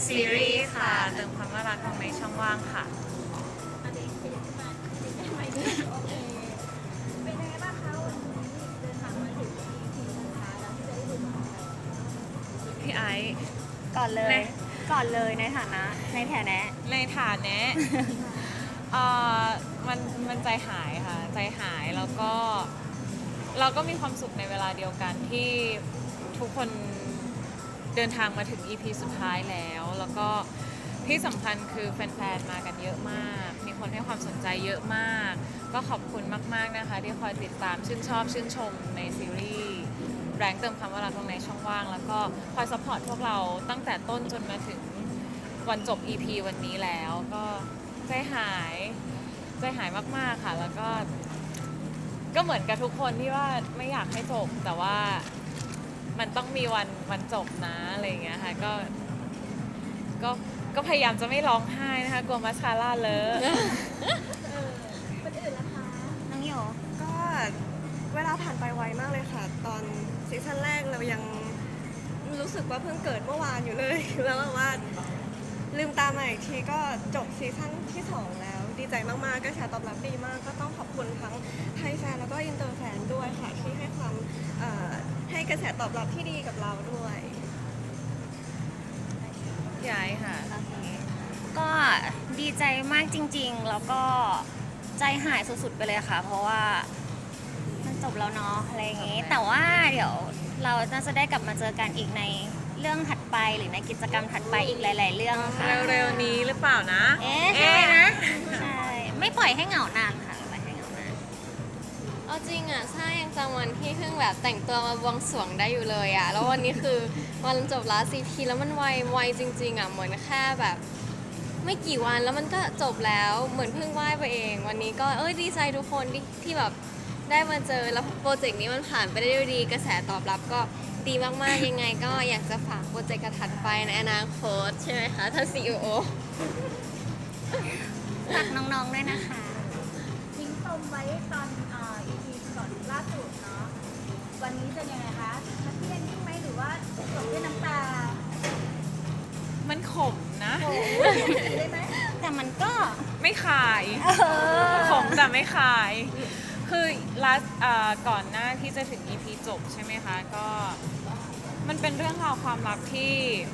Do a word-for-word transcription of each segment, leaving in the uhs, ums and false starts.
ซีรีส์ค่ะเติมความน่ารักลงในช่องว่างค่ะเป็นยังไงบ้างคะวันนี้เดินทางมาถึง อี พี สุดท้ายแล้วที่จะได้ดูกันพี่ไอซ์ก่อนเลยในก่อนเลยในฐานะในฐานะในฐานเนี้ยเอ่อมันมันใจหายค่ะใจหายแล้วก็เราก็มีความสุขในเวลาเดียวกันที่ทุกคนเดินทางมาถึง อี พี สุดท้ายแล้วแล้วก็ที่สำคัญคือแฟนๆมากันเยอะมากมีคนให้ความสนใจเยอะมากก็ขอบคุณมากๆนะคะที่คอยติดตามชื่นชอบชื่นชมในซีรีส์แรงเติมคำว่ารักลงในช่องว่างแล้วก็คอยซัพพอร์ตพวกเราตั้งแต่ต้นจนมาถึงวันจบ อี พี วันนี้แล้วก็ใจหายใจหายมากๆค่ะแล้วก็ก็เหมือนกับทุกคนที่ว่าไม่อยากให้จบแต่ว่ามันต้องมีวันวันจบนะอะไรอย่างเงี้ยค่ะก็ก็ก็พยายามจะไม่ร้องไห้นะคะกลัวมัสคาร่าเลอะคนอื่นล่ะคะน้องโยก็เวลาผ่านไปไวมากเลยค่ะ ตอนซีซั่นแรกเรายังรู้สึกว่าเพิ่งเกิดเมื่อวานอยู่เลย แล้วแบบว่าลืมตามาอีกทีก็จบซีซั่นที่สองแล้วดีใจมากๆกระแสตอบรับดีมากก็ต้องขอบคุณทั้งไทยแฟนแล้วก็อินเตอร์แฟนด้วยค่ะที่ให้ความเอ่อให้กระแสตอบรับที่ดีกับเราด้วยย้ายค่ะโอเคก็ดีใจมากจริงๆ แล้วก็ใจหายสุดๆไปเลยค่ะ เพราะว่ามันจบแล้วเนาะอะไรอย่างงี้ แต่ว่าเดี๋ยวเราน่าจะได้กลับมาเจอกันอีกในเรื่องถัดไปหรือในกิจกรรมถัดไปอีกหลาย ๆ เรื่องค่ะเร็วๆนี้หรือเปล่านะเอ๊ะใช่นะ ใช่ ไม่ปล่อยให้เหงานานค่ะไม่ปล่อยให้เหงานานเอาจริงอ่ะใช่ยังจำวันที่เพิ่งแบบแต่งตัวมาบวงสรวงได้อยู่เลยอ่ะแล้ววันนี้คือวันจบลาซีพีแล้วมันไวไวจริงๆอ่ะเหมือนแค่แบบไม่กี่วันแล้วมันก็จบแล้วเหมือนเพิ่งไหว้ไปเอง วันนี้ก็เอ้ยดีใจทุกคนที่ที่แบบได้มาเจอแล้วโปรเจกต์นี้มันผ่านไปได้ด้วยดีกระแสตอบรับก็ดีมากๆยังไง ก็อยากจะฝากโปรเจกต์กระถัดไปในอนาคตใช่ไหมคะท่านซีอีโอฝากน้องๆด้วยนะคะทิ้งปมไว้ตอนเอ่อ อี พี ก่อนล่าสุดเนาะวันนี้จะยังไงคะทัดเทียนยิ่งไหมหรือว่าจบด้วยน้ำตามันขมนะโอ้โหได้ไหมแต่มันก็ไม่ขายเออขมแต่ไม่ขาย คือลัสก่อนหน้าที่จะถึง อี พี จบใช่ไหมคะ ก็มันเป็นเรื่องราวความรักที่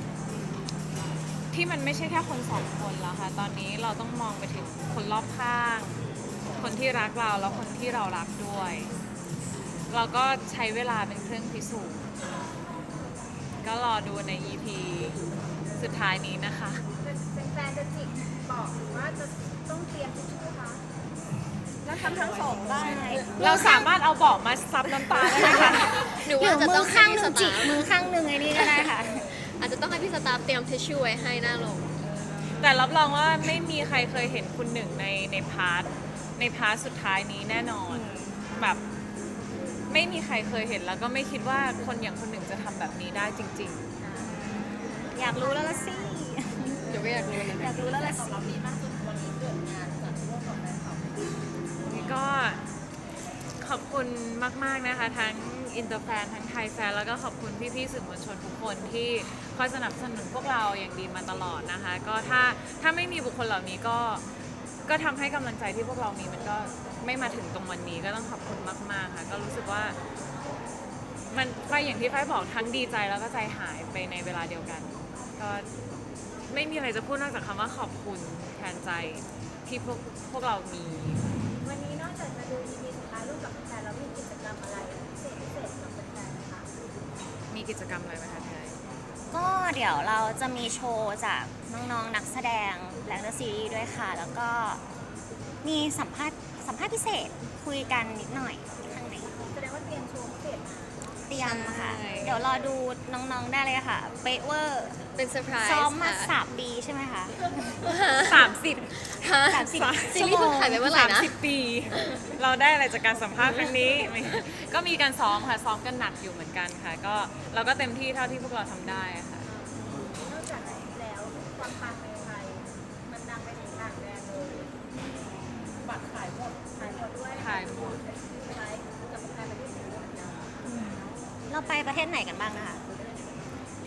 ที่มันไม่ใช่แค่คนสองคนแล้วค่ะ ตอนนี้เราต้องมองไปถึงคนรอบข้าง คนที่รักเราแล้วคนที่เรารักด้วย เราก็ใช้เวลาเป็นเครื่องพิสูจน์ ก็รอดูใน อี พี สุดท้ายนี้นะคะเป็นแฟนจะจิกบอกหรือว่าจะต้องเตรียมทิชชู่คะแล้วทำทั้งสองได้เราสามารถเอาเบาะมาซับน้ำตาได้ไหมคะหรือหรืว่าอจะมืต้อองให้ข้างหพี่นึ่สงจิตาก ฟมือข้างหนึ่งไอ้นี่ก็ได้ค่ะอาจจะต้องให้พี่สตาฟเตรียมทิชชู่ไว้ให้หน้าลงแต่รับรองว่าไม่มีใครเคยเห็นคุณหนึ่งในในพาร์ทในพาร์ทสุดท้ายนี้แน่นอน แบบไม่มีใครเคยเห็นแล้วก็ไม่คิดว่าคนอย่างคุณหนึ่งจะทำแบบนี้ได้จริงอยากรู้แล้วละสิเดี๋ยวก็อยากรู้นะอยากรู้แล้วละสิๆนี่ก็ขอบคุณมากๆนะคะ ทั้งอินเตอร์แฟนทั้งไทยแฟนแล้วก็ขอบคุณพี่ๆสื่อมวลชนทุกคนที่คอยสนับสนุนพวกเราอย่างดีมาตลอดนะคะ ก็ถ้าถ้าไม่มีบุคคลเหล่านี้ก็ก็ทำให้กำลังใจที่พวกเรามีมันก็ไม่มาถึงตรงวันนี้ก็ต้องขอบคุณมากๆค่ะก็รู้สึกว่ามันไปอย่างที่ฝ้ายบอกทั้งดีใจแล้วก็ใจหายไปในเวลาเดียวกัน ก็ไม่มีอะไรจะพูดนอกจากคำว่าขอบคุณแทนใจที่พวกพวกเรามีวันนี้นอกจากจะดู อี พี สุดท้ายร่วมกับแฟนแล้วมีกิจกรรมอะไรพิเศษพิเศษกับแฟนๆไหมคะมีกิจกรรมอะไรไหมคะไทยก็เดี๋ยวเราจะมีโชว์จากน้องๆ นักแสดงแรงเดอะซีรีส์ด้วยค่ะ แล้วก็มีสัมภาษณ์สัมภาษณ์พิเศษคุยกันนิดหน่อยข้างในแสดงว่าเตรียมโชว์พิเศษมาเตรียมค่ะ เดี๋ยวรอดูน้องๆ ได้เลยค่ะ เป๊ะเวอร์เป็นเซอร์ไพรส์ซ้อมมาค่ะสามปีใช่ไหมคะสามสิบฮะสามสิบซีรีส์เพิ่งถ่ายไปเมื่อไหร่สามนะสิบปี เราได้อะไรจากการสัมภาษณ์ครั้งนี้ ไม่ก็มีการซ้อมค่ะซ้อมกันหนักอยู่เหมือนกันค่ะ ก็เราก็เต็มที่เท่าที่พวกเราทำได้อะค่ะนอกจากนี้แล้วความปังในไทยมันดังไปถึงต่างแดนเลยบัตรขายหมดขายหมดด้วยขายหมดไลฟ์กับการไปที่ไหนด้วยนะเราไปประเทศไหนกันบ้างนะคะที่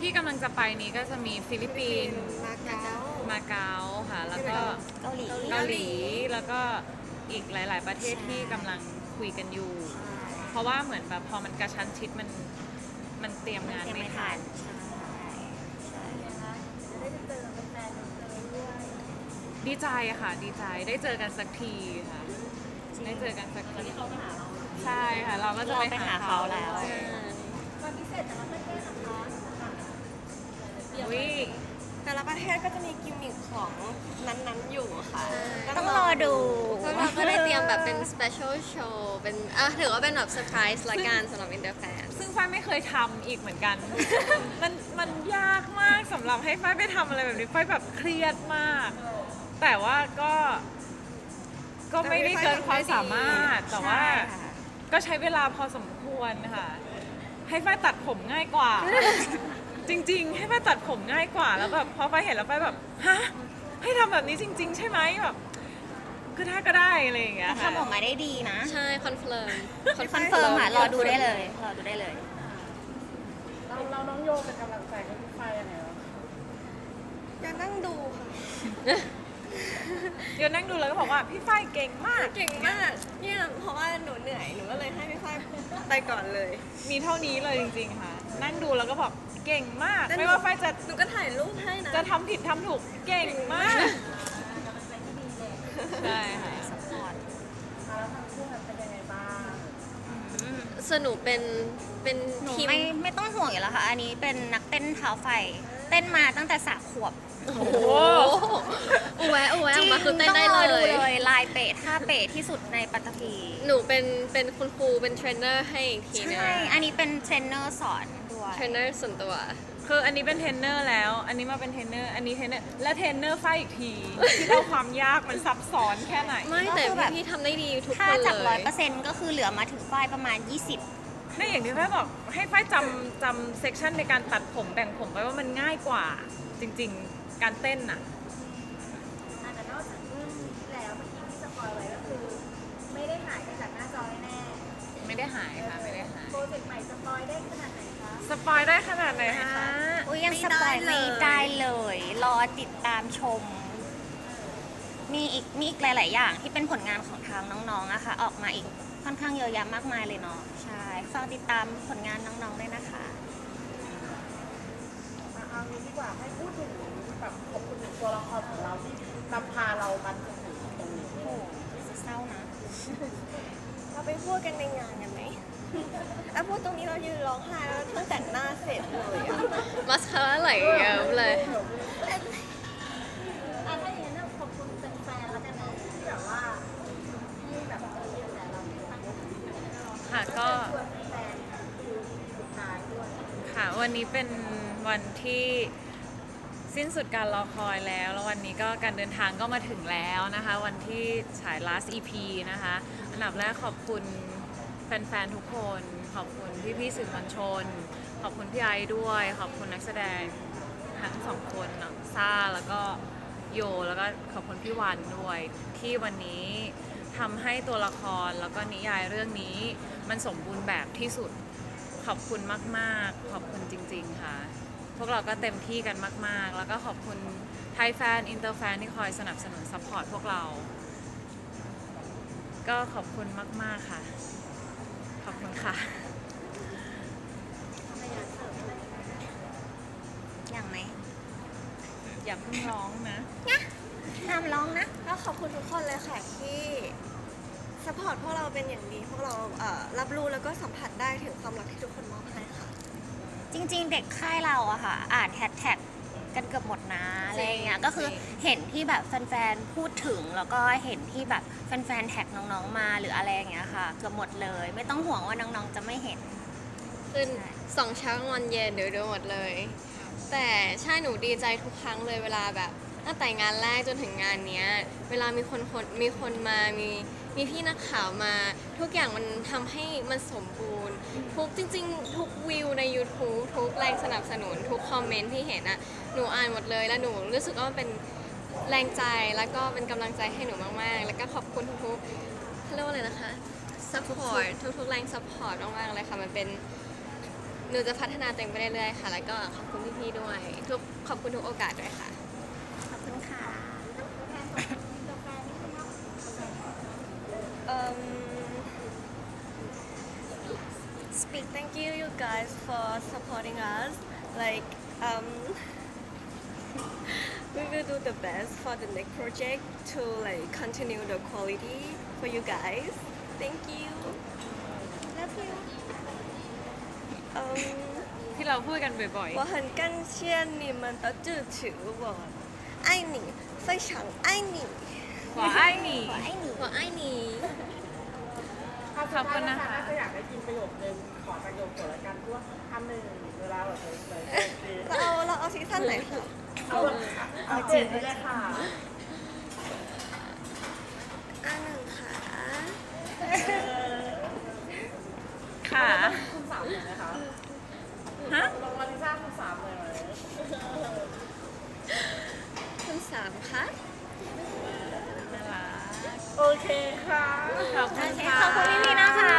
ที่กำลังจะไปนี้ก็จะมีฟิลิปปินส์มาเก๊ามาเก๊าค่ะ แล้วก็เกาหลีเกาหลี แล้วก็อีกหลาย ๆ ประเทศที่กำลังคุยกันอยู่ เพราะว่าเหมือนแบบพอมันกระชั้นชิดมันมันเตรียมงานยังไม่ไม่ทัทันนใช่นะคะจะได้เจอแฟนๆเลยด้วยดีใจค่ะ ดีใจได้เจอกันสักทีค่ะ ได้เจอกันสักทีใช่ค่ะ เราก็จะเราไปไปหาหาเขาเขาแล้แล้ว วความพิเศษแต่ละประเทศนะคะอุ้ยแต่ละประเทศก็จะมีกิมมิคของนั้นๆอยู่ค่ะก็ต้องรอดูพวกเราก็ได้เตรียมแบบเป็น special show เป็นอ่ะถือว่าเป็นแบบเซอร์ไพรส์ละกันสำหรับ Interfan ซึ่งฝ้ายไม่เคยทำอีกเหมือนกัน มันมันยากมากสำหรับให้ฝ้ายไปทำอะไรแบบนี้ฝ้ายแบบเครียดมาก แต่ว่าก็ก็ไม่ได้เกินความสามารถ แต่ว่าใช่ค่ะก็ใช้เวลาพอสมควรค่ะ ให้ฝ้ายตัดผมง่ายกว่า จริง ๆ ให้ฝ้ายตัดผมง่ายกว่า แล้วแบบพอฝ้ายเห็นแล้วฝ้ายแบบฮะให้ทำแบบนี้จริง ๆ ใช่ไหมแบบคือถ้าก็ได้อะไรอย่างเงี้ยค่ะทำออกมาได้ดีนะใช่ คอนเฟิร์มคอนเฟิร์มค่ะรอดูได้เลย รอดูได้เลยเราเราน้องโยเป็นกำลังใจให้พี่ฝ้ายยังไงวะอยากนั่งดูค่ะเดี๋ยวนั่งดูแล้วก็บอกว่าพี่ฝ้ายเก่งมากเก่งมากเนี่ยเพราะว่าหนูเหนื่อยหนูก็เลยให้พี่ฝ้ายไปก่อนเลยมีเท่านี้เลยจริง ๆ ค่ะ นั่งดูแล้วก็บอกเก่งมากแต่หนูไม่ว่าฝ้ายจะหนูก็ถ่ายรูปให้นะจะทำผิดทำถูกเก่งมาก ใช่ค่ะสปอร์ตแล้วทั้งคู่แบบเป็นยังไงบ้างสนุกเป็นเป็นหนูทีมไม่ไม่ต้องห่วงอยู่แล้วค่ะ อันนี้เป็นนักเต้นเท้าไฟ เต้นมาตั้งแต่สามขวบโอ้โหอุแวะอุแวะออกมาคือเต้นได้ต้องรอเลดูยเลย ลายเปะท่าเปะที่สุดในปัตตภีหนูเป็นเป็นคุณครูเป็นเทรนเนอร์ให้อีกทีนึงใช่ อันนี้เป็นเทรนเนอร์สอนด้วยเทรนเนอร์ส่วนตัวคืออันนี้เป็นเทรนเนอร์แล้ว อันนี้มาเป็นเทรนเนอร์ อันนี้เทรนเนอร์ และเทรนเนอร์ฝ้ายอีกทีที่เราความยากมันซับซ้อนแค่ไหนไม่แต่พี่ๆทำได้ดีทุกคถ้าน จากเลร้อยยเปอร์เซ็นต์ก็คือเหลือมาถึงฝ้ายประมาณยี่สิบนี่อย่างที่ฝ้ายบอกให้ฝ้ายจำจำเซกชันในการตัดผมแบ่งผมไว้ว่ามันง่ายกว่า จริง ๆ การเต้นน่ะอ่ะแต่นอกจากเรื่องนี้แล้วเมื่อกี้ที่สปอยไว้ก็คือ ไม่ได้หายไปจากหน้าจอแน่ไม่ได้หายค่ะ ไม่ได้หายๆโปรเจกต์ใหม่สปอยได้ขนาดไหนคะสปอยได้ขนาดไหนคะอุ้ยยังไม่สปอยได้ไม่เลยได้เลย รอติดตามชม มีอีกมีอีกหลาย ๆ อย่างที่เป็นผลงานของทางน้อง ๆอะค่ะ ออกมาอีกค่อนข้างเยอะแยะมากมายเลยเนาะ ใช่ ฝากติดตามผลงานน้อง ๆ ด้วยนะคะมาเอางี้ดีกว่าให้พูดถึงแบบขอบคุณถึงตัวละครของเราที่นำพาเรามาถึงตรงนี้โอ้โหจะเศร้านะเราไปพูดกันในงานกันไหม แล้วพูดตรงนี้เรายืนร้องไห้แล้วเพิ่งแต่งหน้าเสร็จเลยอะมัสคาร่าไหลเยิ้มเลยอ่ะถ้าอย่างนั้นขอบคุณแฟนๆแล้วกันนะที่แบบว่าให้แบบเออแต่เราไม่ตั้งใจค่ะก็ชวนแฟนๆดูสุดท้ายด้วยค่ะ วันนี้เป็นวันที่สิ้นสุดการรอคอยแล้ว แล้ววันนี้ก็การเดินทางก็มาถึงแล้วนะคะ วันที่ฉาย last อี พี นะคะ อันดับแรกขอบคุณแฟนๆ ทุกคน ขอบคุณพี่ๆสื่อมวลชน ขอบคุณพี่ไอซ์ด้วย ขอบคุณนักแสดงทั้งสองคนน้องซ่าแล้วก็โย แล้วก็ขอบคุณพี่วันด้วย ที่วันนี้ทำให้ตัวละครแล้วก็นิยายเรื่องนี้มันสมบูรณ์แบบที่สุด ขอบคุณมากๆ ขอบคุณจริงๆ ค่ะ พวกเราก็เต็มที่กันมากๆ แล้วก็ขอบคุณไทยแฟน อินเตอร์แฟนที่คอยสนับสนุนซัพพอร์ตพวกเรา ก็ขอบคุณมากๆ ค่ะ ขอบคุณค่ะอย่างไหมอย่าเพิ่งร้องนะห้ามร้องนะแล้วขอบคุณทุกคนเลยค่ะที่สปอร์ตพวกเราเป็นอย่างดี พวกเราเอ่อรับรู้แล้วก็สัมผัสได้ถึงความรักที่ทุกคนมอบให้ค่ะจริง ๆ เด็กค่ายเราอะค่ะ อ่านแฮชแท็กกันเกือบหมดนะอะไรอย่างเงี้ย ก็คือเห็นที่แบบแฟนๆ พูดถึง แล้วก็เห็นที่แบบแฟนๆ แท็กน้องๆ มาหรืออะไรอย่างเงี้ยค่ะ เกือบหมดเลย ไม่ต้องห่วงว่าน้องๆ จะไม่เห็นขึ้นสองเช้ากลางวันเย็นเดี๋ยวดูหมดเลย แต่ใช่หนูดีใจทุกครั้งเลยเวลาแบบตั้งแต่งานแรกจนถึงงานเนี้ย เวลามีคนคนมีคนมามีมีพี่นักข่าวมา ทุกอย่างมันทำให้มันสมบูรณ์ ทุกจริง ๆ ทุกวิวใน YouTube ทุกแรงสนับสนุน ทุกคอมเมนต์ที่เห็นอะหนูอ่านหมดเลยแล้วหนูรู้สึกว่ามันเป็นแรงใจแล้วก็เป็นกำลังใจให้หนูมากๆ แล้วก็ขอบคุณทุกๆเขาเรียกว่าอะไรนะคะ support ทุกๆแรง support มากๆเลยค่ะมันเป็น หนูนูจะพัฒนาตัวเองไปเรื่อยๆค่ะ แล้วก็ขอบคุณพี่ๆด้วยทุกขอบคุณทุกโอกาสด้วยค่ะขอบคุณค่ะตัวแทนของอินเตอร์แฟนนิดนึงเนาะ Um, speak thank you you guys for supporting us. Like um, we will do the best for the next project to like continue the quality for you guys. Thank you. Love you. Um, ที่เราพูดกันบ่อย我很感谢你们的支持，我爱你，非常爱你。 ๆว่าไอ้หนี่ขอให้หนีหัวไอ้หนีถ้าขอบคุณนะคะน่าจะอยากได้กินประโยคนึงขอประโยคเกี่ยวกับการพูดคำหนึ่งเวลาแบบเลยเลยเลยเราเอาเราเอาซีซั่นไหนคะเอาเอาจริงเลยค่ะอันหนึ่งค่ะค่ะคุณสามเลยไหมคะฮะลงมาลิซ่าคุณสามเลยไหมคุณสามคะน่ารักโอเคค่ะขอบคุณค่ะขอบคุณพี่ๆนะคะ